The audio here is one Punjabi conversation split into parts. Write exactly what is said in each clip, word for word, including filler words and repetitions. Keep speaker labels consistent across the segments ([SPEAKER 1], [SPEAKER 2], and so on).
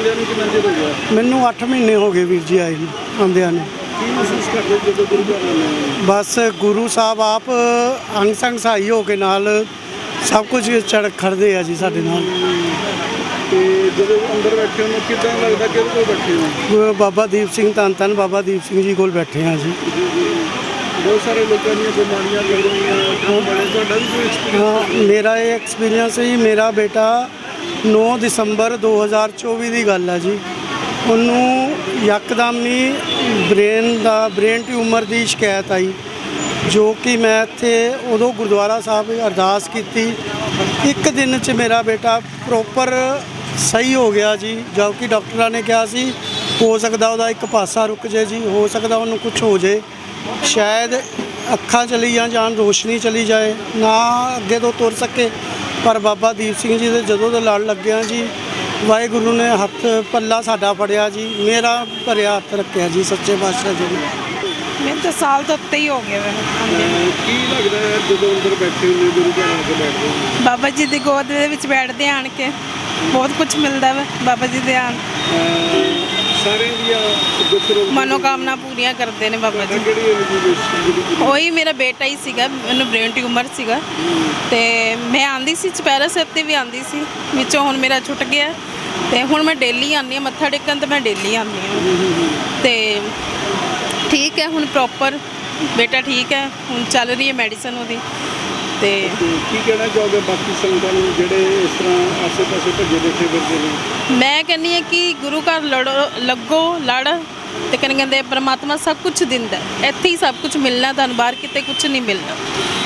[SPEAKER 1] ਆਉਂਦਿਆਂ ਨੂੰ ਕਿੰਨਾ ਚਿਰ ਹੋ ਗਿਆ?
[SPEAKER 2] ਮੈਨੂੰ ਅੱਠ ਮਹੀਨੇ ਹੋ ਗਏ ਵੀਰ ਜੀ ਆਏ ਨੂੰ ਆਉਂਦਿਆਂ ਨੇ।
[SPEAKER 1] ਕੀ ਮਹਿਸੂਸ ਕਰਦੇ ਜਦੋਂ ਗੁਰੂ ਘਰ ਆਉਂਦੇ ਹੋ?
[SPEAKER 2] ਬਸ ਗੁਰੂ ਸਾਹਿਬ ਆਪ ਅੰਗ ਸੰਗ ਸਹਾਈ ਹੋ ਕੇ ਨਾਲ ਸਭ ਕੁਝ ਚੜ ਖੜਦੇ ਆ ਜੀ ਸਾਡੇ ਨਾਲ।
[SPEAKER 1] ਤੇ ਜਦੋਂ ਅੰਦਰ ਬੈਠੇ ਹੋ ਕਿੱਦਾਂ ਲੱਗਦਾ ਕਿਹਦੇ ਕੋਲ ਬੈਠੇ ਹੋ?
[SPEAKER 2] ਬਾਬਾ ਦੀਪ ਸਿੰਘ ਧੰਨ ਧੰਨ ਬਾਬਾ ਦੀਪ ਸਿੰਘ ਜੀ ਕੋਲ ਬੈਠੇ ਆ ਜੀ।
[SPEAKER 1] ਬਹੁਤ ਸਾਰੇ ਲੋਕਾਂ ਦੀਆਂ ਬਿਮਾਰੀਆਂ ਲੱਗਦੀਆਂ, ਤੁਹਾਡਾ ਵੀ ਕੋਈ ਐਕਸਪੀਰੀਅੰਸ?
[SPEAKER 2] ਹਾਂ, ਮੇਰਾ ਇਹ ਐਕਸਪੀਰੀਅੰਸ ਹੈ ਜੀ। ਮੇਰਾ ਬੇਟਾ ਨੌਂ ਦਸੰਬਰ ਦੋ ਹਜ਼ਾਰ ਚੌਵੀ ਦੀ ਗੱਲ ਹੈ ਜੀ। ਉਹਨੂੰ ਯਕਦਮ ਹੀ ਬ੍ਰੇਨ ਦਾ ਬ੍ਰੇਨ ਟਿਊਮਰ ਦੀ ਸ਼ਿਕਾਇਤ ਆਈ, ਜੋ ਕਿ ਮੈਂ ਇੱਥੇ ਉਦੋਂ ਗੁਰਦੁਆਰਾ ਸਾਹਿਬ ਅਰਦਾਸ ਕੀਤੀ। ਇੱਕ ਦਿਨ 'ਚ ਮੇਰਾ ਬੇਟਾ ਪ੍ਰੋਪਰ ਸਹੀ ਹੋ ਗਿਆ ਜੀ। ਜਦ ਕਿ ਡਾਕਟਰਾਂ ਨੇ ਕਿਹਾ ਸੀ ਹੋ ਸਕਦਾ ਉਹਦਾ ਇੱਕ ਪਾਸਾ ਰੁਕ ਜੇ ਜੀ, ਹੋ ਸਕਦਾ ਉਹਨੂੰ ਕੁਝ ਹੋ ਜੇ, ਸ਼ਾਇਦ ਅੱਖਾਂ ਚਲੀ ਜਾਂ ਜਾਣ, ਰੋਸ਼ਨੀ ਚਲੀ ਜਾਏ, ਨਾ ਅੱਗੇ ਤੋਂ ਤੁਰ ਸਕੇ। ਪਰ ਬਾਬਾ ਦੀਪ ਸਿੰਘ ਜੀ ਦੇ ਜਦੋਂ ਦੇ ਲੜ ਲੱਗਿਆ ਜੀ, ਵਾਹਿਗੁਰੂ ਨੇ ਹੱਥ ਪੱਲਾ ਸਾਡਾ ਫੜਿਆ ਜੀ, ਮੇਰਾ ਭਰਿਆ ਹੱਥ ਰੱਖਿਆ ਜੀ ਸੱਚੇ ਪਾਤਸ਼ਾਹ ਜੀ ਨੇ।
[SPEAKER 3] ਮੈਨੂੰ ਤਾਂ ਸਾਲ ਤੋਂ ਉੱਤੇ ਹੀ ਹੋ ਗਿਆ ਵਾ।
[SPEAKER 1] ਕੀ ਲੱਗਦਾ ਹੈ ਜਦੋਂ ਅੰਦਰ ਬੈਠੇ ਹੁੰਦੇ ਗੁਰੂ ਘਰ ਆ ਕੇ ਬੈਠਦੇ ਹੋ?
[SPEAKER 3] ਬਾਬਾ ਜੀ ਦੀ ਗੋਦ ਦੇ ਵਿੱਚ ਬੈਠਦੇ ਆਣ ਕੇ ਬਹੁਤ ਕੁਝ ਮਿਲਦਾ ਵਾ। ਬਾਬਾ ਜੀ ਦੇ ਆਣ
[SPEAKER 1] ਸਾਰਿਆਂ ਦੀਆਂ ਦੁੱਖ ਰੋਗ
[SPEAKER 3] ਮਨੋਕਾਮਨਾ ਪੂਰੀਆਂ ਕਰਦੇ ਨੇ ਬਾਬਾ ਜੀ।
[SPEAKER 1] ਕਿਹੜੀ ਹੈ?
[SPEAKER 3] ਉਹੀ ਮੇਰਾ ਬੇਟਾ ਹੀ ਸੀਗਾ, ਮੈਨੂੰ ਬ੍ਰੇਨ ਟਿਊਮਰ ਸੀਗਾ ਤੇ ਮੈਂ ਆਂਦੀ ਸੀ ਚੁਪਹਿਰਾ ਸਾਹਿਬ ਤੇ ਵੀ ਆਂਦੀ ਸੀ, ਵਿੱਚੋਂ ਹੁਣ ਮੇਰਾ ਛੁੱਟ ਗਿਆ ਤੇ ਹੁਣ ਮੈਂ ਡੇਲੀ ਆਉਂਦੀ ਹਾਂ ਮੱਥਾ ਟੇਕਣ, ਤੇ ਮੈਂ ਡੇਲੀ ਆਉਂਦੀ ਹਾਂ ਤੇ ਠੀਕ ਹੈ। ਹੁਣ ਪ੍ਰੋਪਰ ਬੇਟਾ ਠੀਕ ਹੈ, ਹੁਣ ਚੱਲ ਰਹੀ ਹੈ ਮੈਡੀਸਨ ਉਹਦੀ। ਤੇ
[SPEAKER 1] ਕੀ ਕਹਿਣਾ ਚਾਹੋਗੇ ਬਾਕੀ ਸੰਗਤਾਂ ਨੂੰ ਜਿਹੜੇ ਇਸ ਤਰ੍ਹਾਂ ਆਸੇ ਪਾਸੇ ਭੱਜੇ ਬੈਠੇ ਫਿਰਦੇ ਨੇ?
[SPEAKER 3] ਮੈਂ ਕਹਿੰਦੀ ਹਾਂ ਕਿ ਗੁਰੂ ਘਰ ਲੜੋ, ਲੱਗੋ ਲੜ, ਤੇ ਕਹਿੰਦੇ ਕਹਿੰਦੇ ਪਰਮਾਤਮਾ ਸਭ ਕੁਝ ਦਿੰਦਾ, ਇੱਥੇ ਹੀ ਸਭ ਕੁਝ ਮਿਲਣਾ, ਤੁਹਾਨੂੰ ਬਾਹਰ ਕਿਤੇ ਕੁਝ ਨਹੀਂ ਮਿਲਣਾ।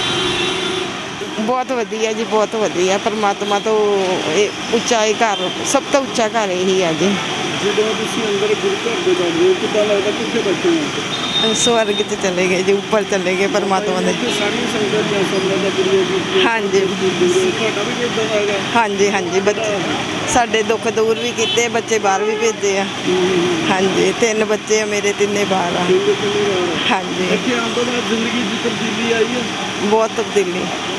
[SPEAKER 4] ਬਹੁਤ ਵਧੀਆ ਜੀ, ਬਹੁਤ ਵਧੀਆ। ਪਰਮਾਤਮਾ ਤੋਂ ਇਹ ਉੱਚਾ ਇਹ ਘਰ, ਸਭ ਤੋਂ ਉੱਚਾ ਘਰ ਇਹੀ ਹੈ ਜੀ।
[SPEAKER 1] ਜਦੋਂ ਤੁਸੀਂ ਅੰਦਰ ਗੁਰੂ ਘਰ ਦੇ ਜਾਂਦੇ ਹੋ ਕਿੱਦਾਂ ਲੱਗਦਾ? ਕਿੱਥੇ ਬੈਠੇ ਹੋ?
[SPEAKER 4] ਸਵਰਗ 'ਚ ਚਲੇ ਗਏ ਜੀ, ਉੱਪਰ ਚਲੇ ਗਏ ਪਰਮਾਤਮਾ ਦੇ।
[SPEAKER 1] ਸਾਰੀਆਂ ਸੰਗਤਾਂ ਦੀਆਂ ਸੰਗਤਾਂ ਦਾ ਗੁਰੂ ਜੀ
[SPEAKER 4] ਹਾਂਜੀ
[SPEAKER 1] ਤੁਹਾਡਾ ਵੀ ਇਦਾਂ ਦਾ ਹੈਗਾ?
[SPEAKER 4] ਹਾਂਜੀ ਹਾਂਜੀ, ਬੱਚੇ ਸਾਡੇ ਦੁੱਖ ਦੂਰ ਵੀ ਕੀਤੇ, ਬੱਚੇ ਬਾਹਰ ਵੀ ਭੇਜੇ ਆ। ਹਾਂਜੀ, ਤਿੰਨ ਬੱਚੇ ਆ ਮੇਰੇ, ਤਿੰਨੇ ਬਾਹਰ ਆ। ਹਾਂਜੀ,
[SPEAKER 1] ਇੱਥੇ ਆਉਣ ਤੋਂ ਬਾਅਦ ਜ਼ਿੰਦਗੀ ਦੀ ਤਬਦੀਲੀ ਆਈ ਹੈ?
[SPEAKER 4] ਬਹੁਤ ਤਬਦੀਲੀ।